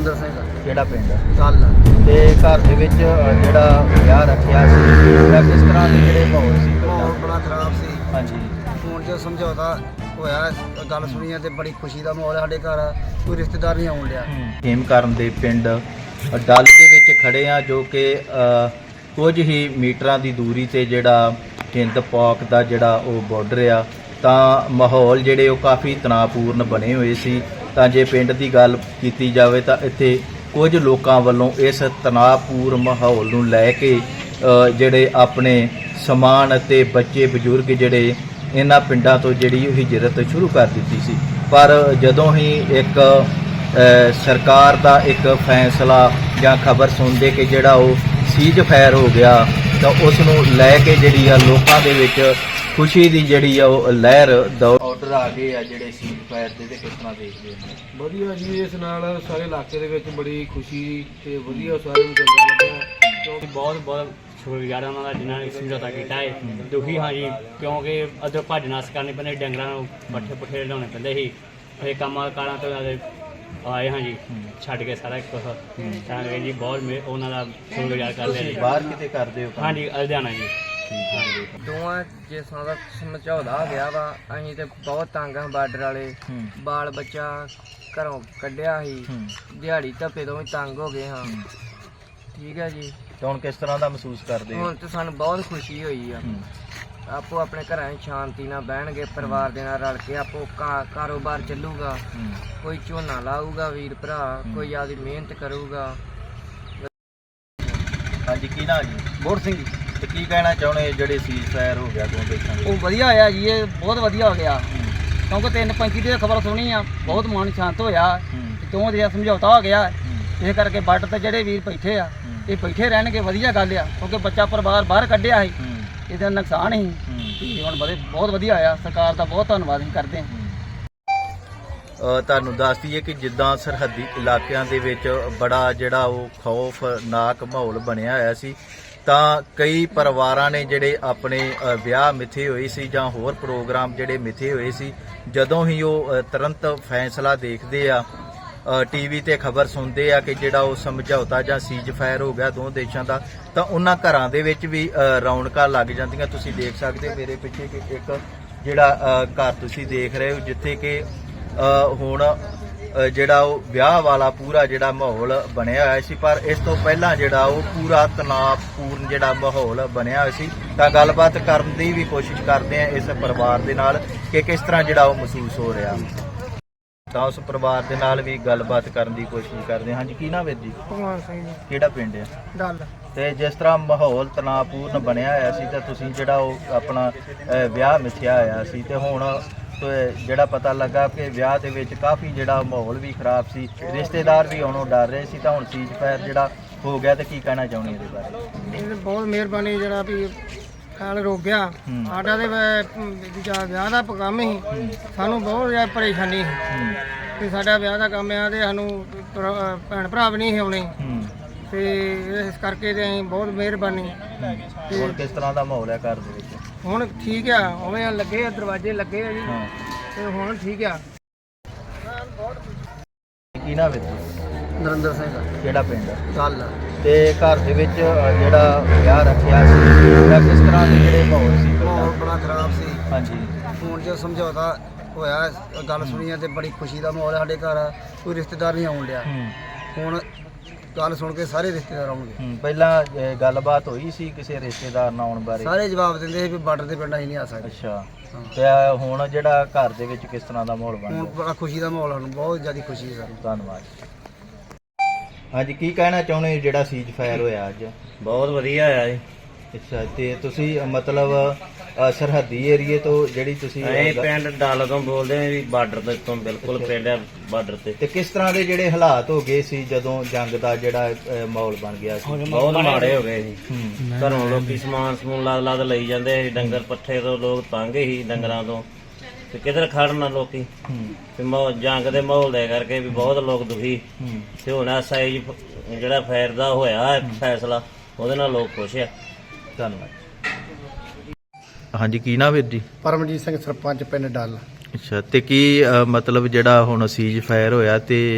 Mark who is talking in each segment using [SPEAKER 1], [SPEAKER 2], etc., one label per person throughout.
[SPEAKER 1] ਨਰਿੰਦਰ ਸਿੰਘ
[SPEAKER 2] ਕਿਹੜਾ ਪਿੰਡ
[SPEAKER 1] ਗੱਲ
[SPEAKER 2] ਤੇ ਘਰ ਦੇ ਵਿੱਚ ਜਿਹੜਾ ਵਿਆਹ ਰੱਖਿਆ ਸੀ ਉਹਦਾ ਕਿਸ ਤਰ੍ਹਾਂ ਦੇ ਜਿਹੜੇ ਮਾਹੌਲ ਸੀ
[SPEAKER 1] ਮਾਹੌਲ ਬੜਾ ਖਰਾਬ ਸੀ।
[SPEAKER 2] ਹਾਂਜੀ
[SPEAKER 1] ਹੁਣ ਜੋ ਸਮਝੌਤਾ ਹੋਇਆ ਗੱਲ ਸੁਣੀ ਹੈ ਤੇ ਬੜੀ ਖੁਸ਼ੀ ਦਾ ਮਾਹੌਲ ਹੈ। ਸਾਡੇ ਘਰ ਕੋਈ ਰਿਸ਼ਤੇਦਾਰ ਨਹੀਂ ਆਉਣ ਡਿਆ।
[SPEAKER 2] ਖੇਮਕਰਨ ਦੇ ਪਿੰਡ ਡੱਲ ਦੇ ਵਿੱਚ ਖੜੇ ਆ ਜੋ ਕਿ ਕੁਝ ਹੀ ਮੀਟਰਾਂ ਦੀ ਦੂਰੀ ਤੇ ਜਿਹੜਾ ਹਿੰਦ ਪਾਕ ਦਾ ਜਿਹੜਾ ਉਹ ਬਾਰਡਰ ਆ ਤਾਂ ਮਾਹੌਲ ਜਿਹੜੇ ਉਹ ਕਾਫੀ ਤਣਾਅਪੂਰਨ ਬਣੇ ਹੋਏ ਸੀ। ਤਾਂ ਜੇ ਪਿੰਡ ਦੀ ਗੱਲ ਕੀਤੀ ਜਾਵੇ ਤਾਂ ਇੱਥੇ ਕੁਝ ਲੋਕਾਂ ਵੱਲੋਂ ਇਸ ਤਣਾਅਪੂਰਨ ਮਾਹੌਲ ਨੂੰ ਲੈ ਕੇ ਜਿਹੜੇ ਆਪਣੇ ਸਮਾਨ ਅਤੇ ਬੱਚੇ ਬਜ਼ੁਰਗ ਜਿਹੜੇ ਇਹਨਾਂ ਪਿੰਡਾਂ ਤੋਂ ਜਿਹੜੀ ਉਹ ਹਿਜਰਤ ਸ਼ੁਰੂ ਕਰ ਦਿੱਤੀ ਸੀ। ਪਰ ਜਦੋਂ ਹੀ ਇੱਕ ਸਰਕਾਰ ਦਾ ਇੱਕ ਫੈਸਲਾ ਜਾਂ ਖਬਰ ਸੁਣਦੇ ਕਿ ਜਿਹੜਾ ਉਹ ਸੀਜ਼ ਫਾਇਰ ਹੋ ਗਿਆ ਤਾਂ ਉਸ ਨੂੰ ਲੈ ਕੇ ਜਿਹੜੀ ਆ ਲੋਕਾਂ ਦੇ ਵਿੱਚ ਖੁਸ਼ੀ ਦੀ ਜਿਹੜੀ ਆ ਉਹ ਲਹਿਰ ਆਰਡਰ ਆ ਗਏ ਆ ਜਿਹੜੇ ਸੀਜ਼ ਫਾਇਰ ਦੇ ਤੇ ਕਿਸ ਤਰ੍ਹਾਂ ਦੇਖਦੇ ਹੋ?
[SPEAKER 3] ਵਧੀਆ ਜੀ, ਇਸ ਨਾਲ ਸਾਰੇ ਇਲਾਕੇ ਦੇ ਵਿੱਚ ਬੜੀ ਖੁਸ਼ੀ ਤੇ ਵਧੀਆ ਸਾਰਿਆਂ ਨੂੰ ਚੰਗਾ ਲੱਗਾ ਕਿਉਂਕਿ
[SPEAKER 4] ਬਹੁਤ ਸ਼ੁਕਰਗੁਜ਼ਾਰ ਉਹਨਾਂ ਦਾ ਜਿਨ੍ਹਾਂ ਨੇ ਸਮਝੌਤਾ ਕੀਤਾ ਹੈ। ਦੁਖੀ ਹਾਂ ਜੀ ਕਿਉਂਕਿ ਅੱਧੋ ਭੱਜ ਨੱਸ ਕਰਨੀ ਪੈਂਦੀ, ਡੰਗਰਾਂ ਨੂੰ ਪੱਠੇ ਪੁੱਠੇ ਲਿਆਉਣੇ ਪੈਂਦੇ ਸੀ। ਇਹ ਕੰਮਾਂ ਕਾਰਾਂ ਤੋਂ ਆਏ ਹਾਂ ਜੀ, ਛੱਡ ਕੇ ਸਾਰਾ ਕੁਛ ਤਾਂ ਜੀ ਬਹੁਤ ਉਹਨਾਂ ਦਾ ਸ਼ੁਕਰਗੁਜ਼ਾਰ ਕਰਦੇ ਜੀ।
[SPEAKER 2] ਬਾਹਰ ਕਿਤੇ ਕਰਦੇ ਹੋ?
[SPEAKER 4] ਹਾਂਜੀ ਲੁਧਿਆਣਾ ਜੀ।
[SPEAKER 2] ਹਾਂਜੀ
[SPEAKER 1] ਦੋਵਾਂ ਜਿਸਾਂ ਦਾ ਸਮਝੌਤਾ ਹੋ ਗਿਆ ਵਾ। ਅਸੀਂ ਤੇ ਬਹੁਤ ਤੰਗ ਹਾਂ ਬਾਰਡਰ ਵਾਲੇ। ਬਾਲ ਬੱਚਾ ਘਰੋਂ ਕੱਢਿਆ ਸੀ, ਦਿਹਾੜੀ ਧੱਪੇ ਤੋਂ ਵੀ ਤੰਗ ਹੋ ਗਏ ਹਾਂ। ਠੀਕ ਹੈ ਜੀ।
[SPEAKER 2] ਤੇ ਹੁਣ ਕਿਸ ਤਰ੍ਹਾਂ ਦਾ ਮਹਿਸੂਸ ਕਰਦੇ ਹੋ?
[SPEAKER 1] ਹੁਣ ਤੇ ਸਾਨੂੰ ਬਹੁਤ ਖੁਸ਼ੀ ਹੋਈ ਆ। ਆਪੋ ਆਪਣੇ ਘਰਾਂ 'ਚ ਸ਼ਾਂਤੀ ਨਾਲ ਬਹਿਣਗੇ, ਪਰਿਵਾਰ ਦੇ ਨਾਲ ਰਲ ਕੇ ਆਪੋ ਕਾਰੋਬਾਰ ਚੱਲੂਗਾ। ਕੋਈ ਝੋਨਾ ਲਾਊਗਾ ਵੀਰ ਭਰਾ, ਕੋਈ ਆਦੀ ਮਿਹਨਤ ਕਰੂਗਾ।
[SPEAKER 2] ਹਾਂਜੀ ਕੀ ਨਾਂ ਜੀ?
[SPEAKER 1] ਬੋੜ ਸਿੰਘ ਜੀ।
[SPEAKER 2] ਤੇ ਕੀ ਕਹਿਣਾ ਚਾਹੁੰਦੇ ਜਿਹੜੇ ਸੀਜ਼ ਫਾਇਰ ਹੋ ਗਿਆ ਦੋ ਦੇਸ਼ਾਂ ਦੇ?
[SPEAKER 1] ਉਹ ਵਧੀਆ ਹੋਇਆ ਜੀ, ਇਹ ਬਹੁਤ ਵਧੀਆ ਹੋ ਗਿਆ ਕਿਉਂਕਿ 3:35 ਦੀ ਖਬਰ ਸੁਣੀ ਆ, ਬਹੁਤ ਮਨ ਸ਼ਾਂਤ ਹੋਇਆ। ਦੋਵਾਂ ਦੇ ਸਮਝੌਤਾ ਹੋ ਗਿਆ। ਇਸ ਕਰਕੇ ਬਾਰਡਰ ਤੇ ਜਿਹੜੇ ਵੀਰ ਬੈਠੇ ਆ ਇਹ ਬੈਠੇ ਰਹਿਣਗੇ, ਵਧੀਆ ਗੱਲ ਆ ਕਿਉਂਕਿ ਬੱਚਾ ਪਰਿਵਾਰ ਬਾਹਰ ਕੱਢਿਆ ਸੀ, ਇਹਦਾ ਨੁਕਸਾਨ ਸੀ। ਹੁਣ ਬਹੁਤ ਵਧੀਆ ਆਇਆ, ਸਰਕਾਰ ਦਾ ਬਹੁਤ ਧੰਨਵਾਦ ਅਸੀਂ ਕਰਦੇ ਹਾਂ।
[SPEAKER 2] ਤੁਹਾਨੂੰ ਦੱਸ ਦਈਏ ਕਿ ਜਿੱਦਾਂ ਸਰਹੱਦੀ ਇਲਾਕਿਆਂ ਦੇ ਵਿੱਚ ਬੜਾ ਜਿਹੜਾ ਉਹ ਖੌਫਨਾਕ ਮਾਹੌਲ ਬਣਿਆ ਹੋਇਆ ਸੀ ਤਾਂ ਕਈ ਪਰਿਵਾਰਾਂ ਨੇ ਜਿਹੜੇ ਆਪਣੇ ਵਿਆਹ ਮਿੱਥੇ ਹੋਏ ਸੀ ਜਾਂ ਹੋਰ ਪ੍ਰੋਗਰਾਮ ਜਿਹੜੇ ਮਿੱਥੇ ਹੋਏ ਸੀ, ਜਦੋਂ ਹੀ ਉਹ ਤੁਰੰਤ ਫੈਸਲਾ ਦੇਖਦੇ ਆ, ਟੀਵੀ ਤੇ ਖਬਰ ਸੁਣਦੇ ਆ ਕਿ ਜਿਹੜਾ ਉਹ ਸਮਝੌਤਾ ਜਾਂ ਸੀਜ਼ ਫਾਇਰ ਹੋ ਗਿਆ ਦੋ ਦੇਸ਼ਾਂ ਦਾ, ਤਾਂ ਉਹਨਾਂ ਘਰਾਂ ਦੇ ਵਿੱਚ ਵੀ ਰੌਣਕਾਂ ਲੱਗ ਜਾਂਦੀਆਂ। ਤੁਸੀਂ ਦੇਖ ਸਕਦੇ ਹੋ ਮੇਰੇ ਪਿੱਛੇ ਕਿ ਇੱਕ ਜਿਹੜਾ ਘਰ ਤੁਸੀਂ ਦੇਖ ਰਹੇ ਹੋ ਜਿੱਥੇ ਕਿ ਹੁਣ ਜਿਹੜਾ ਉਹ ਵਿਆਹ ਵਾਲਾ ਪੂਰਾ ਜਿਹੜਾ ਮਾਹੌਲ ਬਣਿਆ ਹੋਇਆ ਸੀ, ਪਰ ਇਸ ਤੋਂ ਪਹਿਲਾਂ ਜਿਹੜਾ ਉਹ ਪੂਰਾ ਤਣਾਅਪੂਰਨ ਜਿਹੜਾ ਮਾਹੌਲ ਬਣਿਆ ਹੋਇਆ ਸੀ। ਤਾਂ ਗੱਲਬਾਤ ਕਰਨ ਦੀ ਵੀ ਕੋਸ਼ਿਸ਼ ਕਰਦੇ ਆ ਇਸ ਪਰਿਵਾਰ ਦੇ ਨਾਲ ਕਿ ਕਿਸ ਤਰ੍ਹਾਂ ਜਿਹੜਾ ਉਹ ਮਹਿਸੂਸ ਹੋ ਰਿਹਾ, ਤਾਂ ਉਸ ਪਰਿਵਾਰ ਦੇ ਨਾਲ ਵੀ ਗੱਲਬਾਤ ਕਰਨ ਦੀ ਕੋਸ਼ਿਸ਼ ਕਰਦੇ ਹਾਂ। ਹਾਂਜੀ ਕੀ ਨਾਮ ਹੈ ਜੀ?
[SPEAKER 1] ਭਗਵਾਨ ਸਿੰਘ ਜੀ।
[SPEAKER 2] ਕਿਹੜਾ ਪਿੰਡ ਹੈ?
[SPEAKER 1] ਡੱਲ।
[SPEAKER 2] ਤੇ ਜਿਸ ਤਰ੍ਹਾਂ ਮਾਹੌਲ ਤਣਾਅਪੂਰਨ ਬਣਿਆ ਹੋਇਆ ਸੀ ਤਾਂ ਤੁਸੀਂ ਜਿਹੜਾ ਉਹ ਆਪਣਾ ਵਿਆਹ ਮਿਥਿਆ ਹੋਇਆ ਸੀ ਤੇ ਹੁਣ ਜਿਹੜਾ ਪਤਾ ਲੱਗਾ ਕਿ ਵਿਆਹ ਦੇ ਵਿੱਚ ਕਾਫੀ ਜਿਹੜਾ ਮਾਹੌਲ ਵੀ ਖਰਾਬ ਸੀ, ਰਿਸ਼ਤੇਦਾਰ ਵੀ ਆਉਣੋਂ ਡਰ ਰਹੇ ਸੀ, ਤਾਂ ਹੁਣ ਸੀਜ਼ ਫਾਇਰ ਜਿਹੜਾ ਹੋ ਗਿਆ ਤੇ ਕੀ ਕਹਿਣਾ ਚਾਹੁੰਦੇ ਇਹਦੇ ਬਾਰੇ?
[SPEAKER 1] ਇਹ ਬਹੁਤ ਮਿਹਰਬਾਨੀ ਜਿਹੜਾ ਵੀ ਖਿਆਲ ਰੋਕ ਗਿਆ ਸਾਡਾ ਤੇ ਵਿਆਹ ਦਾ ਕੰਮ ਸੀ। ਸਾਨੂੰ ਬਹੁਤ ਜ਼ਿਆਦਾ ਪਰੇਸ਼ਾਨੀ ਸੀ ਕਿ ਸਾਡਾ ਵਿਆਹ ਦਾ ਕੰਮ ਆ ਤੇ ਸਾਨੂੰ ਭੈਣ ਭਰਾ ਵੀ ਨਹੀਂ ਆਉਣੇ ਤੇ ਇਸ ਕਰਕੇ ਤੇ ਅਸੀਂ ਬਹੁਤ ਮਿਹਰਬਾਨੀ।
[SPEAKER 2] ਹੁਣ ਕਿਸ ਤਰ੍ਹਾਂ ਦਾ ਮਾਹੌਲ ਹੈ ਘਰ ਦੇ ਵਿੱਚ?
[SPEAKER 1] ਹੁਣ ਠੀਕ ਆ, ਉਵੇਂ ਲੱਗੇ ਆ, ਦਰਵਾਜ਼ੇ ਲੱਗੇ ਆ ਜੀ ਤੇ ਹੁਣ ਠੀਕ ਆ।
[SPEAKER 2] ਕੀ ਨਾਮ ਹੈ?
[SPEAKER 1] ਨਰਿੰਦਰ ਸਿੰਘ।
[SPEAKER 2] ਕਿਹੜਾ ਪਿੰਡ?
[SPEAKER 1] ਗੱਲ
[SPEAKER 2] ਤੇ ਘਰ ਦੇ ਵਿੱਚ ਜਿਹੜਾ ਵਿਆਹ ਰੱਖਿਆ ਸੀ ਉਹਦਾ ਕਿਸ ਤਰ੍ਹਾਂ ਦੇ ਜਿਹੜੇ ਮਾਹੌਲ ਸੀ?
[SPEAKER 1] ਮਾਹੌਲ ਬੜਾ ਖਰਾਬ ਸੀ।
[SPEAKER 2] ਹਾਂਜੀ
[SPEAKER 1] ਹੁਣ ਜੋ ਸਮਝੌਤਾ ਹੋਇਆ ਗੱਲ ਸੁਣੀ ਹੈ ਤੇ ਬੜੀ ਖੁਸ਼ੀ ਦਾ ਮਾਹੌਲ ਹੈ। ਸਾਡੇ ਘਰ ਕੋਈ ਰਿਸ਼ਤੇਦਾਰ ਨਹੀਂ ਆਉਣ ਡਿਆ। ਹੁਣ ਗੱਲ ਸੁਣ ਕੇ ਸਾਰੇ ਰਿਸ਼ਤੇਦਾਰ ਆਉਣਗੇ।
[SPEAKER 2] ਪਹਿਲਾਂ ਗੱਲਬਾਤ ਹੋਈ ਸੀ ਕਿਸੇ ਰਿਸ਼ਤੇਦਾਰ ਨਾਲ ਆਉਣ ਬਾਰੇ?
[SPEAKER 1] ਸਾਰੇ ਜਵਾਬ ਦਿੰਦੇ ਸੀ ਵੀ ਬਾਰਡਰ ਦੇ ਪਿੰਡ ਅਸੀਂ ਨਹੀਂ ਆ ਸਕਦੇ।
[SPEAKER 2] ਅੱਛਾ, ਤੇ ਹੁਣ ਜਿਹੜਾ ਘਰ ਦੇ ਵਿੱਚ ਕਿਸ ਤਰ੍ਹਾਂ ਦਾ ਮਾਹੌਲ ਬਣ
[SPEAKER 1] ਹੁਣ
[SPEAKER 2] ਗਿਆ?
[SPEAKER 1] ਬੜਾ ਖੁਸ਼ੀ ਦਾ ਮਾਹੌਲ, ਸਾਨੂੰ ਬਹੁਤ ਜ਼ਿਆਦਾ ਖੁਸ਼ੀ ਹੈ ਸਾਨੂੰ।
[SPEAKER 2] ਧੰਨਵਾਦ। ਹਾਂਜੀ ਕੀ ਕਹਿਣਾ ਚਾਹੁੰਦੇ ਹੋ ਜਿਹੜਾ ਸੀਜ਼ ਫਾਇਰ ਹੋਇਆ ਅੱਜ?
[SPEAKER 4] ਬਹੁਤ ਵਧੀਆ ਹੋਇਆ ਜੀ।
[SPEAKER 2] ਅੱਛਾ, ਤੇ ਤੁਸੀਂ ਮਤਲਬ ਸਰਹੱਦੀ ਏਰੀਏ ਤੋਂ ਜਿਹੜੀ ਤੁਸੀਂ
[SPEAKER 4] ਅਸੀਂ ਪਿੰਡ ਡੱਲ ਤੋਂ ਬੋਲਦੇ ਹਾਂ ਜੀ, ਬਾਰਡਰ ਤੋਂ ਬਿਲਕੁਲ ਪਿੰਡ ਹੈ ਬਾਰਡਰ
[SPEAKER 2] ਤੇ ਕਿਸ ਤਰ੍ਹਾਂ ਦੇ ਜਿਹੜੇ ਹਾਲਾਤ ਹੋ ਗਏ ਸੀ ਜਦੋਂ ਜੰਗ ਦਾ ਜਿਹੜਾ ਮਾਹੌਲ ਬਣ ਗਿਆ ਸੀ?
[SPEAKER 4] ਬਹੁਤ ਮਾੜੇ ਹੋ ਗਏ ਜੀ। ਘਰੋਂ ਲੋਕੀ ਸਮਾਨ ਸਮੂਨ ਲੱਦ ਲਈ ਜਾਂਦੇ ਸੀ, ਡੰਗਰ ਪੱਠੇ ਤੋਂ ਲੋਕ ਤੰਗ ਸੀ ਡੰਗਰਾਂ ਤੋਂ, ਤੇ ਕਿਧਰ ਖੜਨ ਲੋਕੀ ਤੇ ਜੰਗ ਦੇ ਮਾਹੌਲ ਦੇ ਕਰਕੇ ਵੀ ਬਹੁਤ ਲੋਕ ਦੁਖੀ। ਤੇ ਹੁਣ ਸਾਈਜ਼ ਜਿਹੜਾ ਫਾਇਰ ਦਾ ਹੋਇਆ ਫੈਸਲਾ ਉਹਦੇ ਨਾਲ ਲੋਕ ਖੁਸ਼ ਆ।
[SPEAKER 2] ਧੰਨਵਾਦ। ਹਾਂਜੀ ਕੀ ਨਾਮ ਵੀਰ ਜੀ?
[SPEAKER 1] ਪਰਮਜੀਤ ਸਿੰਘ, ਸਰਪੰਚ ਪਿੰਡ ਡੱਲ।
[SPEAKER 2] ਅੱਛਾ, ਤੇ ਕੀ ਮਤਲਬ ਜਿਹੜਾ ਹੁਣ ਸੀਜ਼ ਫਾਇਰ ਹੋਇਆ ਤੇ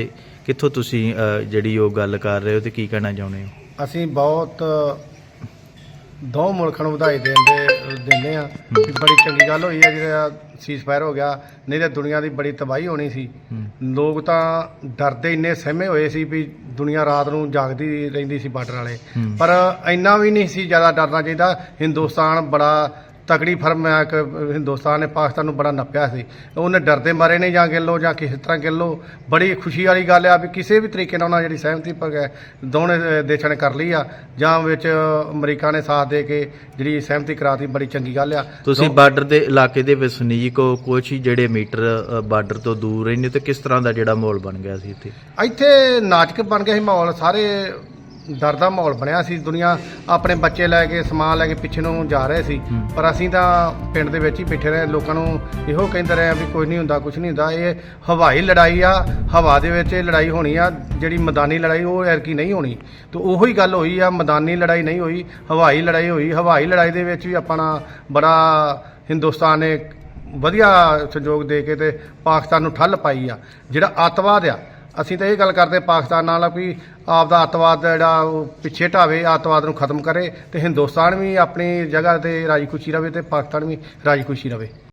[SPEAKER 2] ਕਿੱਥੋਂ ਤੁਸੀਂ ਜਿਹੜੀ ਉਹ ਗੱਲ ਕਰ ਰਹੇ ਹੋ ਤੇ ਕੀ ਕਹਿਣਾ ਚਾਹੁੰਦੇ ਹੋ?
[SPEAKER 5] ਅਸੀਂ ਬਹੁਤ ਦੋ ਮੁਲਕਾਂ ਨੂੰ ਵਧਾਈ ਦਿੰਦੇ ਆ ਕਿ ਬੜੀ ਚੰਗੀ ਗੱਲ ਹੋਈ ਹੈ ਜਿਹੜਾ ਸੀਜ਼ਫਾਇਰ ਹੋ ਗਿਆ, ਨਹੀਂ ਤਾਂ ਦੁਨੀਆ ਦੀ ਬੜੀ ਤਬਾਹੀ ਹੋਣੀ ਸੀ। ਲੋਕ ਤਾਂ ਡਰਦੇ ਇੰਨੇ ਸਹਿਮੇ ਹੋਏ ਸੀ ਵੀ ਦੁਨੀਆ ਰਾਤ ਨੂੰ ਜਾਗਦੀ ਰਹਿੰਦੀ ਸੀ ਬਾਰਡਰ ਵਾਲੇ, ਪਰ ਇੰਨਾ ਵੀ ਨਹੀਂ ਸੀ ਜ਼ਿਆਦਾ ਡਰਨਾ ਚਾਹੀਦਾ। ਹਿੰਦੁਸਤਾਨ ਬੜਾ ਤਕੜੀ ਫਰਮ ਹੈ ਕਿ ਹਿੰਦੁਸਤਾਨ ਨੇ ਪਾਕਿਸਤਾਨ ਨੂੰ ਬੜਾ ਨੱਪਿਆ ਸੀ, ਉਹਨੇ ਡਰਦੇ ਮਾਰੇ ਨੇ ਜਾਂ ਗਿੱਲੋ ਜਾਂ ਕਿਸੇ ਤਰ੍ਹਾਂ ਗਿੱਲੋ। ਬੜੀ ਖੁਸ਼ੀ ਵਾਲੀ ਗੱਲ ਆ ਵੀ ਕਿਸੇ ਵੀ ਤਰੀਕੇ ਨਾਲ ਉਹਨਾਂ ਜਿਹੜੀ ਸਹਿਮਤੀ ਪਰ ਦੋਵੇਂ ਦੇਸ਼ਾਂ ਨੇ ਕਰ ਲਈ ਆ, ਜਾਂ ਵਿੱਚ ਅਮਰੀਕਾ ਨੇ ਸਾਥ ਦੇ ਕੇ ਜਿਹੜੀ ਸਹਿਮਤੀ ਕਰਾਤੀ, ਬੜੀ ਚੰਗੀ ਗੱਲ ਆ।
[SPEAKER 2] ਤੁਸੀਂ ਬਾਰਡਰ ਦੇ ਇਲਾਕੇ ਦੇ ਵਸਨੀਕ ਹੋ, ਕੁਛ ਹੀ ਜਿਹੜੇ ਮੀਟਰ ਬਾਰਡਰ ਤੋਂ ਦੂਰ ਰਹਿੰਦੇ, ਤੇ ਕਿਸ ਤਰ੍ਹਾਂ ਦਾ ਜਿਹੜਾ ਮਾਹੌਲ ਬਣ ਗਿਆ ਸੀ ਇੱਥੇ?
[SPEAKER 5] ਇੱਥੇ ਨਾਟਕ ਬਣ ਗਿਆ ਸੀ ਮਾਹੌਲ, ਸਾਰੇ ਡਰ ਦਾ ਮਾਹੌਲ ਬਣਿਆ ਸੀ। ਦੁਨੀਆ ਆਪਣੇ ਬੱਚੇ ਲੈ ਕੇ ਸਮਾਨ ਲੈ ਕੇ ਪਿੱਛੇ ਨੂੰ ਜਾ ਰਹੇ ਸੀ, ਪਰ ਅਸੀਂ ਤਾਂ ਪਿੰਡ ਦੇ ਵਿੱਚ ਹੀ ਬੈਠੇ ਰਹੇ, ਲੋਕਾਂ ਨੂੰ ਇਹੋ ਕਹਿੰਦੇ ਰਹੇ ਵੀ ਕੁਝ ਨਹੀਂ ਹੁੰਦਾ, ਕੁਝ ਨਹੀਂ ਹੁੰਦਾ। ਇਹ ਹਵਾਈ ਲੜਾਈ ਆ, ਹਵਾ ਦੇ ਵਿੱਚ ਇਹ ਲੜਾਈ ਹੋਣੀ ਆ, ਜਿਹੜੀ ਮੈਦਾਨੀ ਲੜਾਈ ਉਹ ਐਰਕੀ ਨਹੀਂ ਹੋਣੀ। ਤੇ ਉਹੀ ਗੱਲ ਹੋਈ ਆ, ਮੈਦਾਨੀ ਲੜਾਈ ਨਹੀਂ ਹੋਈ, ਹਵਾਈ ਲੜਾਈ ਹੋਈ। ਹਵਾਈ ਲੜਾਈ ਦੇ ਵਿੱਚ ਵੀ ਆਪਣਾ ਬੜਾ ਹਿੰਦੁਸਤਾਨ ਨੇ ਵਧੀਆ ਸਹਿਯੋਗ ਦੇ ਕੇ ਤੇ ਪਾਕਿਸਤਾਨ ਨੂੰ ਠੱਲ ਪਾਈ ਆ। ਜਿਹੜਾ ਅੱਤਵਾਦ ਆ, ਅਸੀਂ ਤਾਂ ਇਹ ਗੱਲ ਕਰਦੇ ਪਾਕਿਸਤਾਨ ਨਾਲ ਵੀ ਆਪਦਾ ਅੱਤਵਾਦ ਜਿਹੜਾ ਉਹ ਪਿੱਛੇ ਢਾਵੇ, ਅੱਤਵਾਦ ਨੂੰ ਖਤਮ ਕਰੇ, ਤੇ ਹਿੰਦੁਸਤਾਨ ਵੀ ਆਪਣੀ ਜਗ੍ਹਾ ਤੇ ਰਾਜੀ ਖੁਸ਼ੀ ਰਵੇ ਤੇ ਪਾਕਿਸਤਾਨ ਵੀ ਰਾਜੀ ਖੁਸ਼ੀ ਰਵੇ।